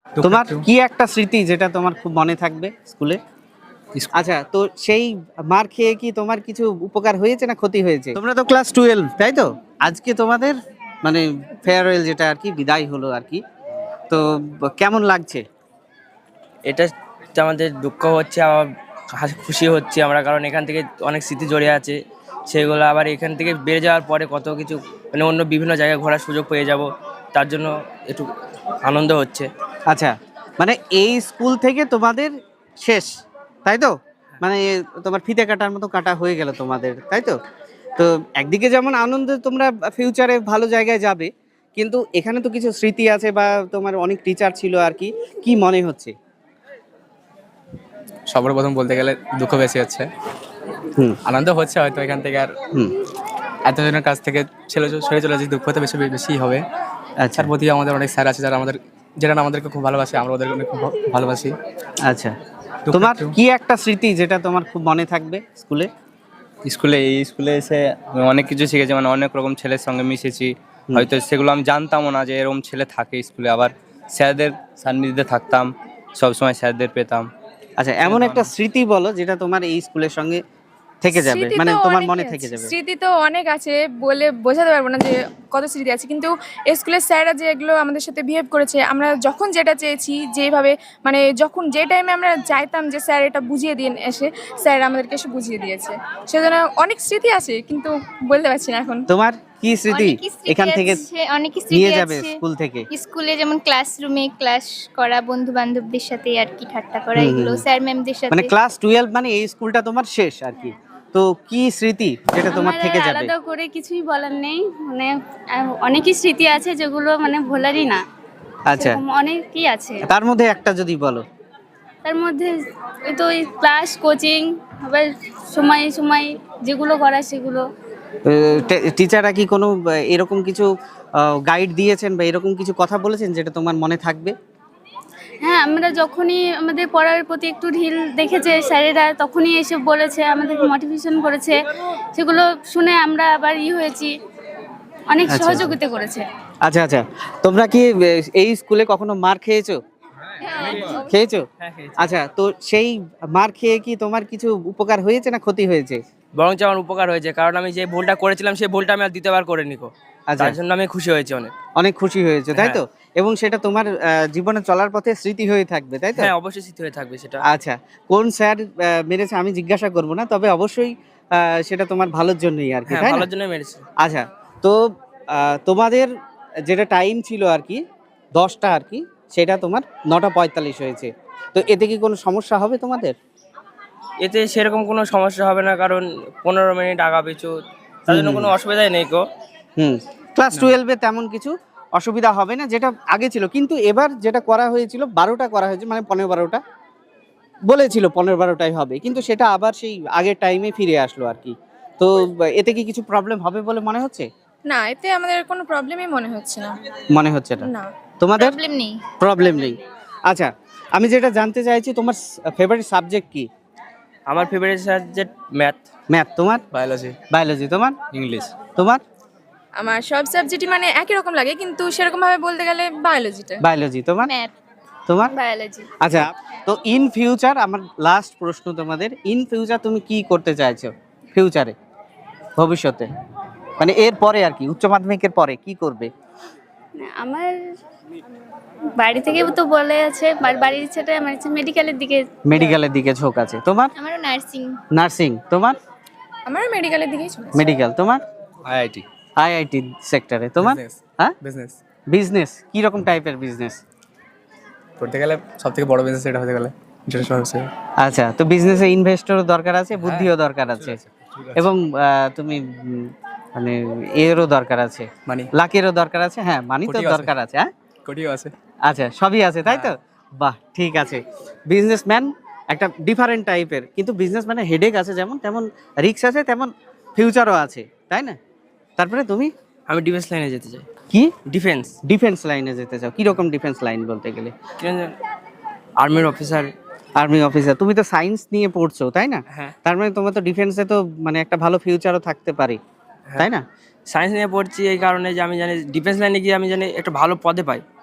তোমার কি একটা স্মৃতি যেটা তোমার খুব মনে থাকবে স্কুলে? আচ্ছা, তো সেই মার খেয়ে কি তোমার কিছু উপকার হয়েছে না ক্ষতি হয়েছে? তোমরা তো ক্লাস 12, তাই তো? আজকে তোমাদের মানে ফেয়ারওয়েল যেটা আর কি, বিদায় হলো আর কি, তো কেমন লাগছে? এটা আমাদের দুঃখ হচ্ছে, আবার খুশি হচ্ছে আমরা, কারণ এখান থেকে অনেক স্মৃতি জড়িয়ে আছে। সেগুলো আবার এখান থেকে বেড়ে যাওয়ার পরে কত কিছু মানে অন্য বিভিন্ন জায়গায় ঘোরার সুযোগ পেয়ে যাব, তার জন্য একটু আনন্দ হচ্ছে। আচ্ছা, মানে এই স্কুল থেকে তোমাদের শেষ, তাই তো? মানে তোমার ফিতে কাটার মতো কাটা হয়ে গেল তোমাদের, তাই তো? তো একদিকে যেমন আনন্দ, তোমরা ফিউচারে ভালো জায়গায় যাবে, কিন্তু এখানে তো কিছু স্মৃতি আছে বা তোমার অনেক টিচার ছিল আর কি, কি মনে হচ্ছে? সবার প্রথম বলতে গেলে দুঃখ বেশি হচ্ছে, আনন্দ হচ্ছে হয়তো এখান থেকে আর এতজনের কাছ থেকে সরে চলে যাচ্ছে, দুঃখ তো বেশি বেশি হবে। আচ্ছা, তার প্রতি আমাদের অনেক স্যার আছে যারা আমাদেরকে খুব ভালোবাসে, আমরা ওদেরকে অনেক খুব ভালোবাসি। আচ্ছা, তোমার কি একটা স্মৃতি যেটা তোমার খুব মনে থাকবে স্কুলে? এই স্কুলে এসে আমি অনেক কিছু শিখেছি, মানে অনেক রকম ছেলের সঙ্গে মিশেছি। হয়তো সেগুলো আমি জানতামও না যে এরকম ছেলে থাকে স্কুলে। আবার স্যারদের সান্নিধ্যে থাকতাম, সবসময় স্যারদের পেতাম। আচ্ছা, এমন একটা স্মৃতি বলো যেটা তোমার এই স্কুলের সঙ্গে থেকে যাবে, মানে তোমার মনে থেকে যাবে। স্মৃতি তো অনেক আছে, বলে বোঝাতে পারবো না যে কত স্মৃতি আছে, কিন্তু স্কুলের স্যাররা যে এগুলো আমাদের সাথে বিহেভ করেছে, আমরা যখন যেটা চেয়েছি, যেভাবে মানে যখন যে টাইমে আমরা চাইতাম যে স্যার এটা বুঝিয়ে দিন, এসে স্যার আমাদেরকে এসে বুঝিয়ে দিয়েছে। সেজন্য অনেক স্মৃতি আছে, কিন্তু বলতে পারছি না এখন। তোমার কি স্মৃতি এখান থেকে অনেক নিয়ে স্মৃতি যাবে আছে স্কুল থেকে? স্কুলে যেমন ক্লাসরুমে ক্লাস করা, বন্ধু বান্ধবদের সাথে আর কি ঠাট্টা করা, এগুলো স্যার ম্যামদের সাথে। মানে ক্লাস 12 মানে এই স্কুলটা তোমার শেষ আর কি, তো কি স্মৃতি যেটা তোমার থেকে যাবে? আলাদা করে কিছুই বলার নেই, মানে অনেকই স্মৃতি আছে যেগুলো মানে ভোলারই না। আচ্ছা, অনেকই আছে, তার মধ্যে একটা যদি বলো। তার মধ্যে ওই তো ক্লাস, কোচিং, আবার সময় সময় যেগুলো করা সেগুলো। টিচাররা কি কোনো এরকম কিছু গাইড দিয়েছেন বা এরকম কিছু কথা বলেছেন যেটা তোমার মনে থাকবে? হ্যাঁ, আমরা যখনই আমাদের পড়ার প্রতি একটু ঢিল দেখেছে স্যারেরা, তখনই এসে বলেছে, আমাদেরকে মোটিভেশন করেছে, সেগুলো শুনে আমরা আবার হয়েছি, অনেক সহযোগিতা করেছে। আচ্ছা আচ্ছা, তোমরা কি এই স্কুলে কখনো মার খেয়েছো? খেয়েছো? আচ্ছা, তো সেই মার খেয়ে কি তোমার কিছু উপকার হয়েছে না ক্ষতি হয়েছে? বরঞ্চ আমার উপকার হয়েছে, কারণ আমি যে ভুলটা করেছিলাম সেই ভুলটা আমি আর দ্বিতীয়বার করে নিকো। আচ্ছা, তার জন্য আমি খুশি হয়েছি, অনেক খুশি হয়েছে, তাই তো? এবং সেটা তোমার জীবনে চলার পথে স্মৃতি হয়ে থাকবে, তাই তো? হ্যাঁ, অবশ্যই স্মৃতি হয়ে থাকবে সেটা। আচ্ছা, কোন স্যার মেরেছে আমি জিজ্ঞাসা করব না, তবে অবশ্যই সেটা তোমার ভালোর জন্যই আর কি, হ্যাঁ, তাই না? ভালোর জন্যই মেরেছে। আচ্ছা, তো তোমাদের যেটা টাইম ছিল আর কি 10টা আর কি, সেটা তোমার 9:45 হয়েছে, তো এতে কি কোনো সমস্যা হবে তোমাদের? এতে সেরকম কোনো সমস্যা হবে না, কারণ 15 মিনিট আগা পিছু, তার জন্য কোনো অসুবিধাই নেই কো। ক্লাস 12-এ তেমন কিছু অসুবিধা হবে না, যেটা আগে ছিল। কিন্তু এবার যেটা করা হয়েছিল 12টা করা হয়েছে, মানে 15-12টা বলেছিল, 15-12টাই হবে, কিন্তু সেটা আবার সেই আগের টাইমে ফিরে আসলো আর কি। তো এতে কি কিছু প্রবলেম হবে বলে মনে হচ্ছে? না, এতে আমাদের কোনো প্রবলেমই মনে হচ্ছে না। মনে হচ্ছে না না, তোমাদের প্রবলেম নেই। প্রবলেম নেই? আচ্ছা, আমি যেটা জানতে চাইছি, তোমার ফেভারিট সাবজেক্ট কি? আমার ফেভারিট সাবজেক্ট ম্যাথ। ম্যাথ। তোমার? বায়োলজি। বায়োলজি। তোমার? ইংলিশ। তোমার? আমার সব সাবজেক্টই মানে একই রকম লাগে, কিন্তু সেরকম ভাবে বলতে গেলে বায়োলজিটা। বায়োলজি। তোমার? ম্যাথ। তোমার? বায়োলজি। আচ্ছা, তো ইন ফিউচার, আমার লাস্ট প্রশ্ন তোমাদের, ইন ফিউচার তুমি কি করতে চাইছো ফিউচারে, ভবিষ্যতে, মানে এর পরে আর কি, উচ্চ মাধ্যমিকের পরে কি করবে? আমার বাড়ি থেকে তো বলে আছে, বাড়ির ইচ্ছাটা আমার ইচ্ছা মেডিকেলের দিকে। মেডিকেলের দিকে ঝোঁক আছে। তোমার? আমারও নার্সিং। নার্সিং। তোমার? আমারও মেডিকেলের দিকেই চলে। মেডিকেল। তোমার? আইআইটি। আইআইটি সেক্টরে। তোমার? হ্যাঁ, বিজনেস। বিজনেস। কি রকম টাইপের বিজনেস করতে গেলে সবথেকে বড় বিজনেস এটা হতে গেলে ইন্টারন্যাশনাল ব্যবসা। আচ্ছা, তো বিজনেসে ইনভেস্টরও দরকার আছে, বুদ্ধিও দরকার আছে, এবং তুমি মানে এরও দরকার আছে, মানি, লাকেরও দরকার আছে। হ্যাঁ, মানি তো দরকার আছে। হ্যাঁ, কোটিও আছে। আচ্ছা, সবই আছে, তাই তো? বাহ, ঠিক আছে। বিজনেসম্যান একটা ডিফারেন্ট টাইপের, কিন্তু বিজনেসম্যানের হেডেক আছে যেমন, তেমন রিস্ক আছে, তেমন ফিউচারও আছে, তাই না? তারপরে তুমি? আমি ডিফেন্স লাইনে যেতে চাই। কি? ডিফেন্স। ডিফেন্স লাইনে যেতে চাও? কি রকম ডিফেন্স লাইন বলতে গেলে? আর্মির অফিসার। Army officer. তুমি তো সায়েন্স নিয়ে পড়ছো, তাই না? হ্যাঁ। তার মানে তোমার তো ডিফেন্সে তো মানে একটা ভালো ফিউচারও থাকতে পারে, তাই না? সায়েন্স নিয়ে পড়ছি এই কারণে যে আমি জানি ডিফেন্স লাইনে গিয়ে আমি জানি একটা ভালো পদে পাই।